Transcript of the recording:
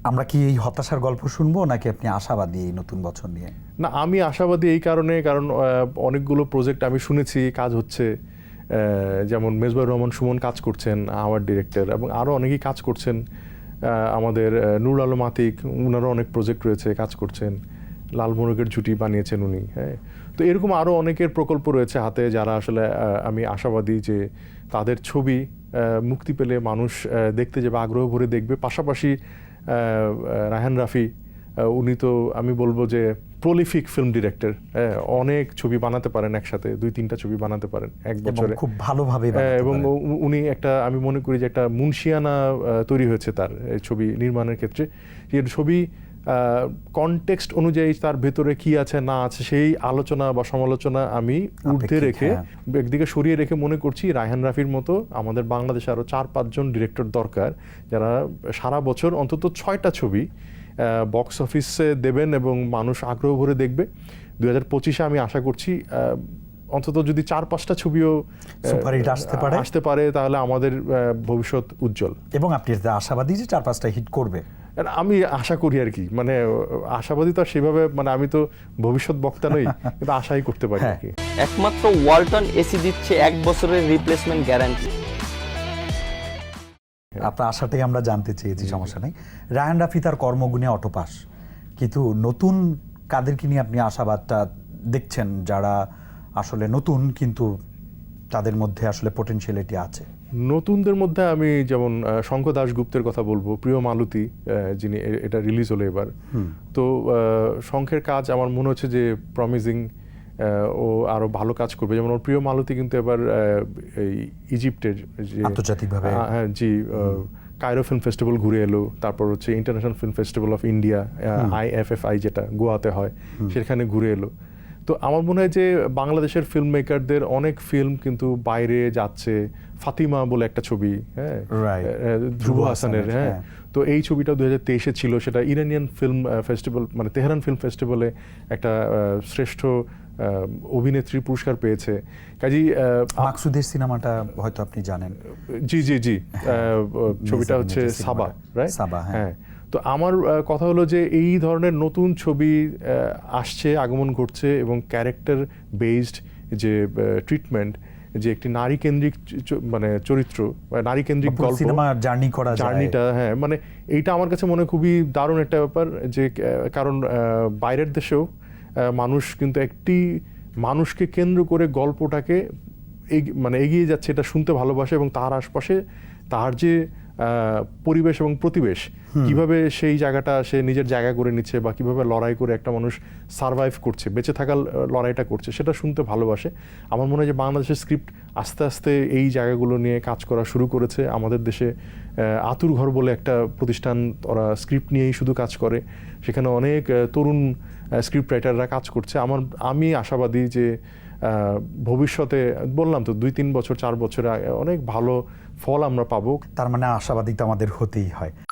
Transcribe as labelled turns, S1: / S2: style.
S1: আমরা কি এই হতাশার গল্প শুনবো নাকি আপনি আশাবাদী এই নতুন বছর নিয়ে?
S2: না, আমি আশাবাদী এই কারণে, কারণ অনেকগুলো প্রজেক্ট আমি শুনেছি কাজ হচ্ছে, যেমন মেজবাহুর রহমান সুমন কাজ করছেন, আমার ডিরেক্টর, এবং আরও অনেকেই কাজ করছেন। আমাদের নুরুল আলম আতিক, ওনারও অনেক প্রজেক্ট রয়েছে, কাজ করছেন। লাল মোরগের জুটি বানিয়েছেন উনি। হ্যাঁ, তো এরকম আরও অনেকের প্রকল্প রয়েছে হাতে, যারা আসলে আমি আশাবাদী যে তাদের ছবি মুক্তি পেলে মানুষ দেখতে যাবে, আগ্রহ ভরে দেখবে। পাশাপাশি রায়হান রাফি, উনি তো আমি বলবো যে প্রলিফিক ফিল্ম ডিরেক্টর, অনেক ছবি বানাতে পারেন একসাথে, 2-3টা ছবি বানাতে পারেন এক বছরে,
S1: খুব ভালোভাবে।
S2: এবং উনি একটা, আমি মনে করি যে একটা মুন্সিয়ানা তৈরি হয়েছে তার ছবি নির্মাণের ক্ষেত্রে। যে ছবি কনটেক্সট অনুযায়ী তার ভেতরে কি আছে না আছে সেই আলোচনা বা সমালোচনা আমি ঊর্ধ্বে রেখে, একদিকে সরিয়ে রেখে মনে করছি রায়হান রাফির মতো আমাদের বাংলাদেশে আরও 4-5 জন ডিরেক্টর দরকার, যারা সারা বছর অন্তত 6টা ছবি বক্স অফিসে দেবেন এবং মানুষ আগ্রহ ভরে দেখবে। 2025-এ আমি আশা করছি অন্তত যদি 4-5টা ছবিও
S1: সুপারহিট আসতে পারে
S2: তাহলে আমাদের ভবিষ্যৎ উজ্জ্বল।
S1: এবং আপনি আশাবাদী যে 4-5টা হিট করবে?
S2: আমি আশা করি আর কি, মানে আশাবাদী তো সেভাবে, মানে আমি তো ভবিষ্যৎ বক্তা নই, কিন্তু আশাই করতে পারি আর কি।
S3: একমাত্র ওয়ালটন এসি দিচ্ছে 1 বছরের রিপ্লেসমেন্ট গ্যারান্টি।
S1: আপনার আশাটাই আমরা জানতে চেয়েছি, সমস্যা নেই। রায়হান রাফি তার কর্মগুণে অটোপাস, কিন্তু নতুন কাদেরকে নিয়ে আপনি আশাবাদটা দেখছেন, যারা আসলে নতুন কিন্তু তাদের মধ্যে আসলে পটেনশিয়ালিটি আছে?
S2: নতুনদের মধ্যে আমি যেমন শঙ্খ দাশগুপ্তের কথা বলবো, প্রিয় মালতী, যিনি এটা রিলিজ হলো এবার। তো শঙ্খের কাজ আমার মনে হচ্ছে যে প্রমিজিং, ও আরো ভালো কাজ করবে। যেমন ওর প্রিয় মালতী কিন্তু এবার এই ইজিপ্টের যে
S1: আন্তর্জাতিকভাবে,
S2: হ্যাঁ জি, কায়রো ফিল্ম ফেস্টিভ্যাল ঘুরে এলো, তারপর হচ্ছে international film festival of India, IFFI যেটা গোয়াতে হয়, সেখানে ঘুরে এলো। তো আমার মনে হয় যে বাংলাদেশের ফিল্ম মেকারদের অনেক ফিল্ম কিন্তু বাইরে যাচ্ছে। ফাতিমা বলে একটা ছবি, হ্যাঁ, ধ্রুব হাসানের, হ্যাঁ, তো এই ছবিটা 2023-এ ছিল, সেটা ইরানিয়ান ফিল্ম ফেস্টিভ্যাল, মানে তেহরান ফিল্ম ফেস্টিভ্যালে একটা শ্রেষ্ঠ অভিনেত্রী পুরস্কার পেয়েছে। কাজী
S1: মাকসুদের সিনেমাটা হয়তো আপনি জানেন।
S2: জি জি জি, ছবিটা হচ্ছে সাবা, রাইট?
S1: সাবা, হ্যাঁ।
S2: তো আমার কথা হলো যে এই ধরনের নতুন ছবি আসছে, আগমন ঘটছে, এবং ক্যারেক্টার বেসড যে ট্রিটমেন্ট, যে একটি নারী কেন্দ্রিক মানে চরিত্র, নারী কেন্দ্রিক গল্প, জার্নিটা, হ্যাঁ, মানে এইটা আমার কাছে মনে খুবই দারুণ একটা ব্যাপার। যে কারণ বাইরের দেশেও মানুষ কিন্তু একটি মানুষকে কেন্দ্র করে গল্পটাকে মানে এগিয়ে যাচ্ছে, এটা শুনতে ভালোবাসে, এবং তার আশপাশে তার যে পরিবেশ এবং প্রতিবেশ, কিভাবে সেই জায়গাটা সে নিজের জায়গা করে নিচ্ছে, বা কিভাবে লড়াই করে একটা মানুষ সারভাইভ করছে, বেঁচে থাকার লড়াইটা করছে, সেটা শুনতে ভালোবাসে। আমার মনে হয় যে বাংলাদেশের স্ক্রিপ্ট আস্তে আস্তে এই জায়গাগুলো নিয়ে কাজ করা শুরু করেছে। আমাদের দেশে আতুর ঘর বলে একটা প্রতিষ্ঠান, ওরা স্ক্রিপ্ট নিয়েই শুধু কাজ করে, সেখানে অনেক তরুণ স্ক্রিপ্ট রাইটাররা কাজ করছে। আমি আশাবাদী যে ভবিষ্যতে, বললাম তো 2-3 বছর 4 বছরে অনেক ভালো ফল আমরা পাবো।
S1: তার মানে আশাবাদী তো আমাদের হতেই হয়।